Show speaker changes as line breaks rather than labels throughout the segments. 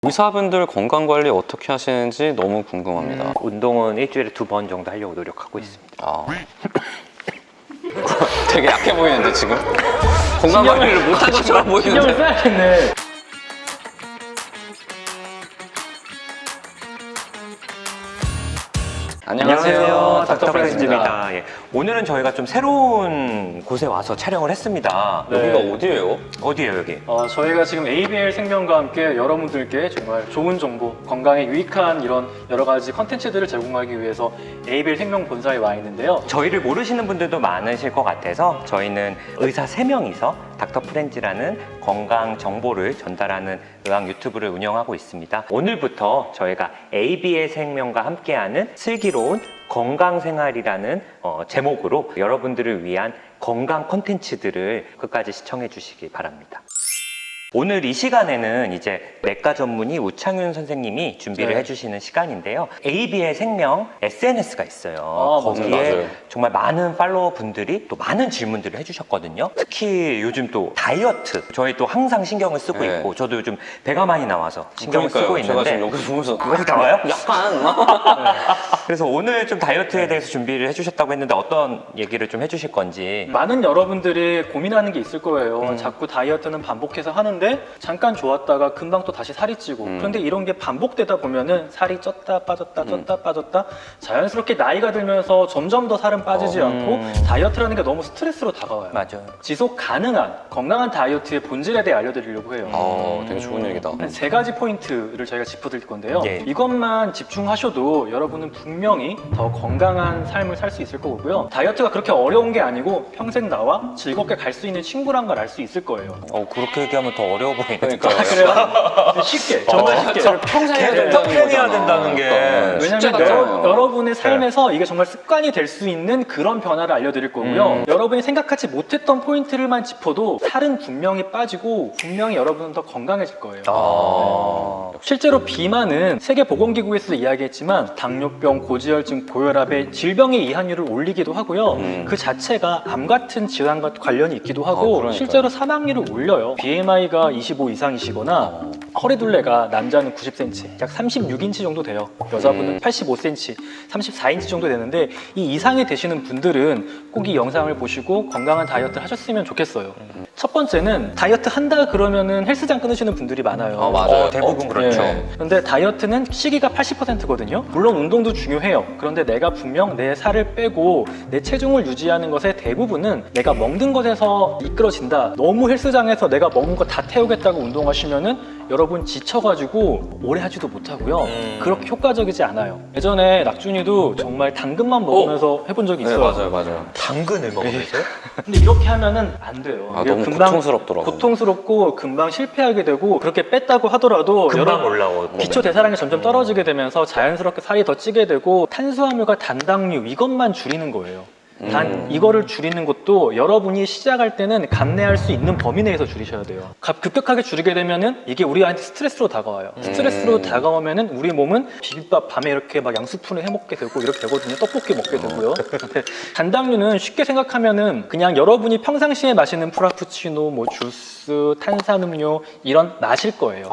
의사분들 건강관리 어떻게 하시는지 너무 궁금합니다.
운동은 일주일에 2번 정도 하려고 노력하고 있습니다.
아. 되게 약해 보이는데 지금? 건강관리를 못한 것처럼 보이는데?
신경을 써야겠네.
안녕하세요.
닥터 프렌즈입니다. 예. 오늘은 저희가 좀 새로운 곳에 와서 촬영을 했습니다.
네.
여기가 어디예요?
어디예요, 여기?
저희가 지금 ABL 생명과 함께 여러분들께 정말 좋은 정보, 건강에 유익한 이런 여러 가지 컨텐츠들을 제공하기 위해서 ABL 생명 본사에 와 있는데요.
저희를 모르시는 분들도 많으실 것 같아서 저희는 의사 3명이서 닥터 프렌즈라는 건강 정보를 전달하는 의학 유튜브를 운영하고 있습니다. 오늘부터 저희가 ABL 생명과 함께하는 슬기로운 건강생활이라는 제목으로 여러분들을 위한 건강 콘텐츠들을 끝까지 시청해 주시기 바랍니다. 오늘 이 시간에는 이제 내과 전문의 우창윤 선생님이 준비를
네.
해주시는 시간인데요. ABL 생명 SNS가 있어요. 거기에
맞아요.
정말 많은 팔로워 분들이 또 많은 질문들을 해주셨거든요. 특히 요즘 또 다이어트 저희 또 항상 신경을 쓰고
네.
있고 저도 요즘 배가 많이 나와서 신경을 쓰고
제가
있는데
지금 여기서 보면서
왜 나와요?
약간
그래서 오늘 좀 다이어트에 대해서 준비를 해주셨다고 했는데 어떤 얘기를 좀 해주실 건지.
많은 여러분들이 고민하는 게 있을 거예요. 자꾸 다이어트는 반복해서 하는데 잠깐 좋았다가 금방 또 다시 살이 찌고 그런데 이런 게 반복되다 보면은 살이 쪘다 빠졌다 쪘다 빠졌다 자연스럽게 나이가 들면서 점점 더 살은 빠지지 않고 다이어트라는 게 너무 스트레스로 다가와요.
맞아요.
지속 가능한 건강한 다이어트의 본질에 대해 알려드리려고 해요.
되게 좋은 얘기다.
세 가지 포인트를 저희가 짚어드릴 건데요.
예.
이것만 집중하셔도 여러분은 분명히 더 건강한 삶을 살 수 있을 거고요. 다이어트가 그렇게 어려운 게 아니고 평생 나와 즐겁게 갈 수 있는 친구란 걸 알 수 있을 거예요.
그렇게 얘기하면 더 어려워 보이네.
그러니까.
그래요? 쉽게, 정말 쉽게.
평생 해야
평생해야 된다는 게.
왜냐면 여러분의 삶에서 이게 정말 습관이 될 수 있는 그런 변화를 알려드릴 거고요. 여러분이 생각하지 못했던 포인트를만 짚어도 살은 분명히 빠지고 분명히 여러분은 더 건강해질 거예요. 실제로 비만은 세계보건기구에서 이야기했지만 당뇨병, 고지혈증, 고혈압의 질병의 이한율을 올리기도 하고요. 그 자체가 암 같은 질환과 관련이 있기도 하고
그러니까요.
실제로 사망률을 올려요. BMI가 25 이상이시거나 허리둘레가 남자는 90cm, 약 36인치 정도 돼요. 여자분은 85cm, 34인치 정도 되는데 이 이상이 되시는 분들은 꼭 이 영상을 보시고 건강한 다이어트를 하셨으면 좋겠어요. 첫 번째는 다이어트 한다 그러면은 헬스장 끊으시는 분들이 많아요.
맞아요.
대부분 그렇죠.
그런데 다이어트는 시기가 80%거든요. 물론 운동도 중요해요. 그런데 내가 분명 내 살을 빼고 내 체중을 유지하는 것의 대부분은 내가 먹는 것에서 이끌어진다. 너무 헬스장에서 내가 먹은 거 다 태우겠다고 운동하시면은 여러분 지쳐가지고 오래 하지도 못하고요. 그렇게 효과적이지 않아요. 예전에 낙준이도 정말 당근만 먹으면서 해본 적이 있어요.
맞아요.
당근을 먹으면서요?
근데 이렇게 하면은 안 돼요. 이게
너무 고통스럽더라고요.
고통스럽고 금방 실패하게 되고 그렇게 뺐다고 하더라도
금방 올라오고.
기초 대사량이 점점 떨어지게 되면서 자연스럽게 살이 더 찌게 되고 탄수화물과 단당류 이것만 줄이는 거예요. 단 이거를 줄이는 것도 여러분이 시작할 때는 감내할 수 있는 범위 내에서 줄이셔야 돼요. 급격하게 줄이게 되면은 이게 우리한테 스트레스로 다가와요. 스트레스로 다가오면은 우리 몸은 비빔밥 밤에 이렇게 막 양수푼을 해 먹게 되고 이렇게 되거든요. 떡볶이 먹게 되고요. 근데 단당류는 쉽게 생각하면은 그냥 여러분이 평상시에 마시는 프라푸치노, 뭐 주스, 탄산음료 이런 마실 거예요.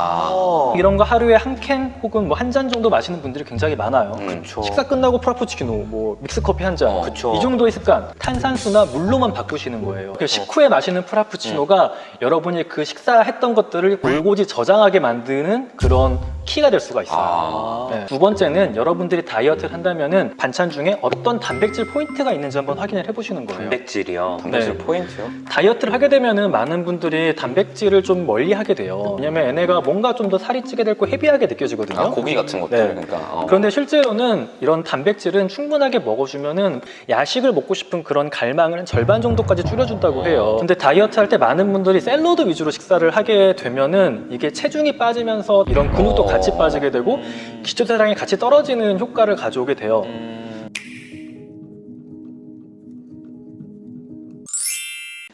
이런 거 하루에 한 캔 혹은 뭐 한 잔 정도 마시는 분들이 굉장히 많아요. 식사 끝나고 프라푸치노, 뭐 믹스커피 한 잔. 이 정도의 습관, 탄산수나 물로만 바꾸시는 거예요. 식후에 마시는 프라푸치노가 여러분이 그 식사했던 것들을 골고지 저장하게 만드는 그런 키가 될 수가 있어요. 네. 두 번째는 여러분들이 다이어트를 한다면은 반찬 중에 어떤 단백질 포인트가 있는지 한번 확인을 해보시는 거예요.
단백질이요.
단백질
네.
포인트요?
다이어트를 하게 되면은 많은 분들이 단백질을 좀 멀리 하게 돼요. 왜냐면 얘네가 뭔가 좀 더 살이 찌게 되고 헤비하게 느껴지거든요.
고기 같은 것들.
네.
그러니까.
그런데 실제로는 이런 단백질은 충분하게 먹어주면은 야식을 먹고 싶은 그런 갈망을 한 절반 정도까지 줄여준다고 해요. 근데 다이어트 할 때 많은 분들이 샐러드 위주로 식사를 하게 되면은 이게 체중이 빠지면서 이런 근육도 같이 빠지게 되고 기초대사량이 같이 떨어지는 효과를 가져오게 돼요.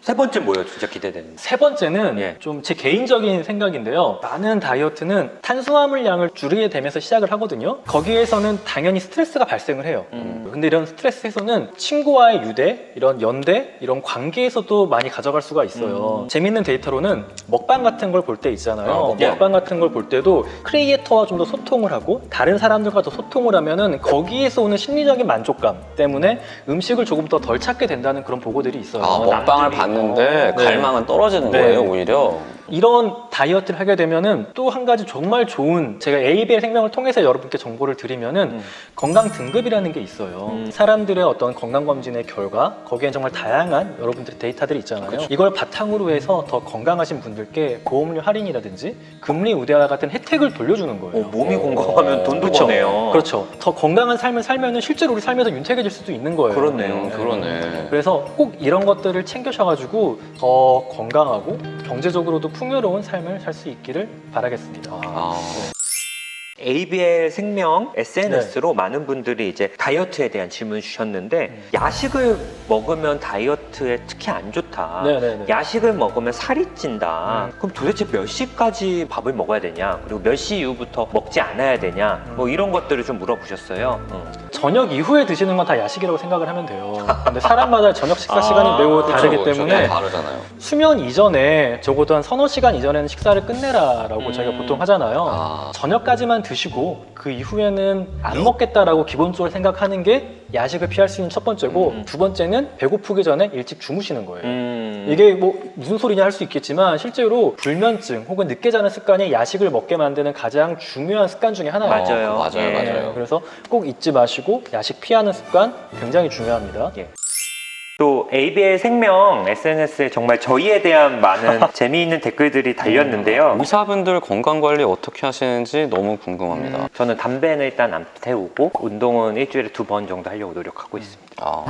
세 번째 뭐예요? 진짜 기대되는.
세 번째는
예.
좀 제 개인적인 생각인데요. 많은 다이어트는 탄수화물량을 줄이게 되면서 시작을 하거든요. 거기에서는 당연히 스트레스가 발생을 해요. 근데 이런 스트레스 해소는 친구와의 유대, 이런 연대, 이런 관계에서도 많이 가져갈 수가 있어요. 재밌는 데이터로는 먹방 같은 걸 볼 때 있잖아요. 먹방 같은 걸 볼 때도 크리에이터와 좀 더 소통을 하고 다른 사람들과 더 소통을 하면은 거기에서 오는 심리적인 만족감 때문에 음식을 조금 더 덜 찾게 된다는 그런 보고들이 있어요.
아, 먹방을 봤는데
네.
갈망은 떨어지는
네.
거예요, 오히려.
이런 다이어트를 하게 되면은 또 한 가지 정말 좋은, 제가 ABL 생명을 통해서 여러분께 정보를 드리면은 건강 등급이라는 게 있어요. 사람들의 어떤 건강검진의 결과, 거기엔 정말 다양한 여러분들의 데이터들이 있잖아요. 이걸 바탕으로 해서 더 건강하신 분들께 보험료 할인이라든지 금리 우대와 같은 혜택을 돌려주는 거예요.
몸이 건강하면 돈도
그렇죠.
버네요.
그렇죠. 더 건강한 삶을 살면은 실제로 우리 삶에서 윤택해질 수도 있는 거예요.
그렇네요.
그러네.
그래서 꼭 이런 것들을 챙겨셔가지고 더 건강하고 경제적으로도 풍요로운 삶을 살 수 있기를 바라겠습니다.
아.
ABL 생명 SNS로 많은 분들이 이제 다이어트에 대한 질문 주셨는데 야식을 먹으면 다이어트에 특히 안 좋다.
네네네.
야식을 먹으면 살이 찐다. 그럼 도대체 몇 시까지 밥을 먹어야 되냐? 그리고 몇 시 이후부터 먹지 않아야 되냐? 뭐 이런 것들을 좀 물어보셨어요.
저녁 이후에 드시는 건 다 야식이라고 생각을 하면 돼요. 근데 사람마다 저녁 식사 시간이 매우 다르기
그렇죠,
때문에
그렇죠. 다르잖아요.
수면 이전에 적어도 한 서너 시간 이전에는 식사를 끝내라라고 저희가 보통 하잖아요.
아.
저녁까지만 드시고 그 이후에는 안 먹겠다라고 기본적으로 생각하는 게 야식을 피할 수 있는 첫 번째고 두 번째는 배고프기 전에 일찍 주무시는 거예요. 이게 뭐 무슨 소리냐 할 수 있겠지만 실제로 불면증 혹은 늦게 자는 습관이 야식을 먹게 만드는 가장 중요한 습관 중에 하나예요.
맞아요.
맞아요,
네,
맞아요.
그래서 꼭 잊지 마시고 야식 피하는 습관 굉장히 중요합니다.
예. 또 ABL 생명 SNS에 정말 저희에 대한 많은 재미있는 댓글들이 달렸는데요.
의사분들 건강 관리 어떻게 하시는지 너무 궁금합니다.
저는 담배는 일단 안 태우고 운동은 일주일에 2번 정도 하려고 노력하고 있습니다.
아.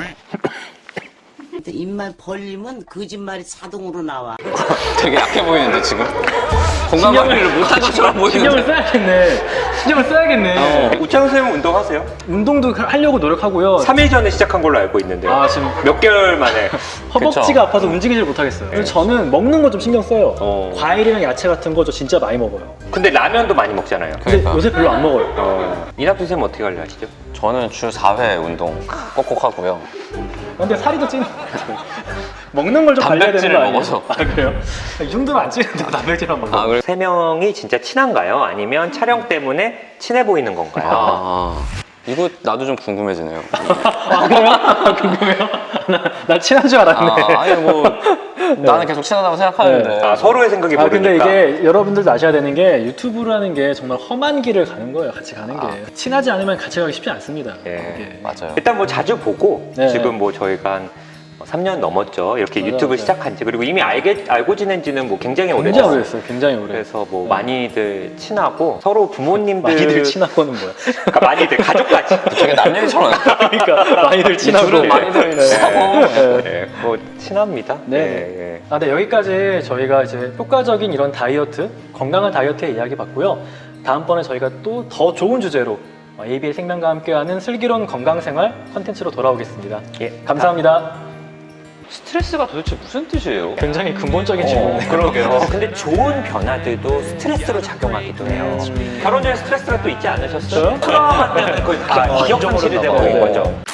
입만 벌리면 거짓말이 자동으로 나와.
되게 약해 보이는데, 지금? 건강 관리를 못한 것처럼
신경을
보이는데.
써야겠네. 신경을 써야겠네.
우창 선생님 운동하세요?
운동도 하려고 노력하고요.
3일 전에 시작한 걸로 알고 있는데요.
아, 지금
몇 개월 만에.
허벅지가
그쵸.
아파서 움직이질 못하겠어요. 그래서 저는 먹는 거 좀 신경 써요.
어.
과일이랑 야채 같은 거 저 진짜 많이 먹어요.
근데 라면도 많이 먹잖아요.
근데
그러니까.
요새 별로 안 먹어요.
이낙준 선생님 어떻게 관리하시죠?
저는 주 4회 운동 꼭꼭 하고요.
근데 살이 더 찌는 것 같아요. 먹는 걸 좀 관리해야 되는
단백질을
거 아니에요?
먹어서.
아, 그래요? 이 정도면 안 찌는데 단백질만 먹어.
아, 그래?
세 명이 진짜 친한가요? 아니면 촬영 때문에 친해 보이는 건가요?
아. 이거 나도 좀 궁금해지네요.
아, 그래요? 아, 궁금해요? 나 친한 줄 알았네.
아, 아니, 뭐. 나는 계속 친하다고 생각하는데.
아, 서로의 생각이
아, 근데
모르니까.
이게 여러분들도 아셔야 되는 게 유튜브라는 게 정말 험한 길을 가는 거예요. 같이 가는 게. 친하지 않으면 같이 가기 쉽지 않습니다.
예.
이게.
맞아요.
일단 뭐 자주 보고
네.
지금 뭐 저희가 한 3년 넘었죠. 이렇게
맞아요,
유튜브
맞아요.
시작한 지. 그리고 이미 알고 지낸 지는 뭐 굉장히
굉장히
오래됐어요.
오래됐어요. 굉장히 오래.
그래서 뭐 많이들 친하고 서로 부모님들
많이들 친하고는 뭐야?
그러니까 많이들 가족까지.
되게 남 얘기처럼.
그러니까 많이들 친하고.
둘은 많이들
네.
친하고.
네, 뭐 친합니다.
네.
예.
아, 네, 여기까지 저희가 이제 효과적인 이런 다이어트, 건강한 다이어트의 이야기 봤고요. 다음번에 저희가 또 더 좋은 주제로 ABL 생명과 함께하는 슬기로운 건강생활 컨텐츠로 돌아오겠습니다.
예.
감사합니다.
스트레스가 도대체 무슨 뜻이에요?
굉장히 근본적인 질문이네요.
그러게요. 근데 좋은 변화들도 스트레스로 작용하기도 해요. 결혼 전에 스트레스가 또 있지 않으셨어요?
저요?
트라우마 때문에 거의 다 기억 상실이 되고 있는 거죠.